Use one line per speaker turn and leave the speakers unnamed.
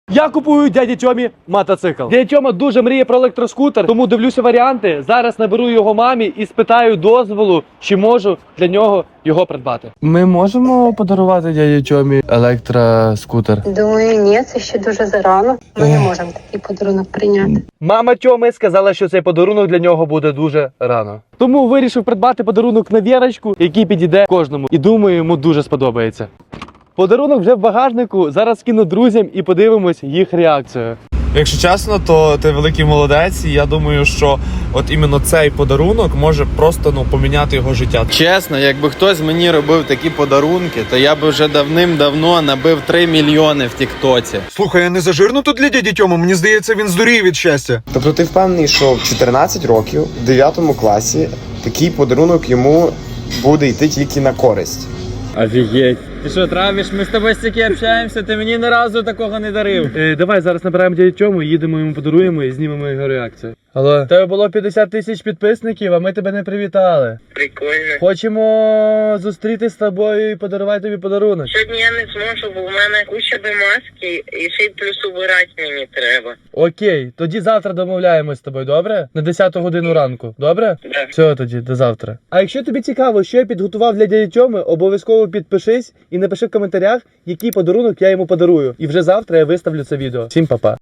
Я купую дяді Тьомі мотоцикл. Дядя Тьома дуже мріє про електроскутер, тому дивлюся варіанти. Зараз наберу його мамі і спитаю дозволу, чи можу для нього його придбати. Ми можемо подарувати дяді Тьомі електроскутер?
Думаю, ні, це ще дуже зарано. Ми не можемо такий подарунок прийняти.
Мама Тьоми сказала, що цей подарунок для нього буде дуже рано. Тому вирішив придбати подарунок на Вірочку, який підійде кожному. І думаю, йому дуже сподобається. Подарунок вже в багажнику, зараз кину друзям і подивимось їх реакцію.
Якщо чесно, то ти великий молодець, і я думаю, що от іменно цей подарунок може просто поміняти його життя.
Чесно, якби хтось мені робив такі подарунки, то я би вже давним-давно набив 3 мільйони в тіктоці.
Слухай, я не зажирну тут для дяді Тьоми? Мені здається, він здуріє від щастя.
Тобто ти впевнений, що в 14 років, в 9 класі, такий подарунок йому буде йти тільки на користь?
Офігеть. Ти що, травиш? Ми з тобою стільки общаємося, ти мені ні разу такого не дарив.
Давай зараз набираємо дядю Тьому, їдемо йому подаруємо і знімемо його реакцію. Алло, тебе було 50 тисяч підписників, а ми тебе не привітали.
Прикольно.
Хочемо зустрітися з тобою і подарувати тобі подарунок.
Сьогодні я не зможу, бо в мене куча маски і ще й плюс убирати мені треба.
Окей, тоді завтра домовляємось з тобою, добре? На 10 годину ранку, добре?
Да.
Все тоді, до завтра. А якщо тобі цікаво, що я підготував для дяді Тьоми, обов'язково підпишись і напиши в коментарях, який подарунок я йому подарую. І вже завтра я виставлю це відео. Всім па-па.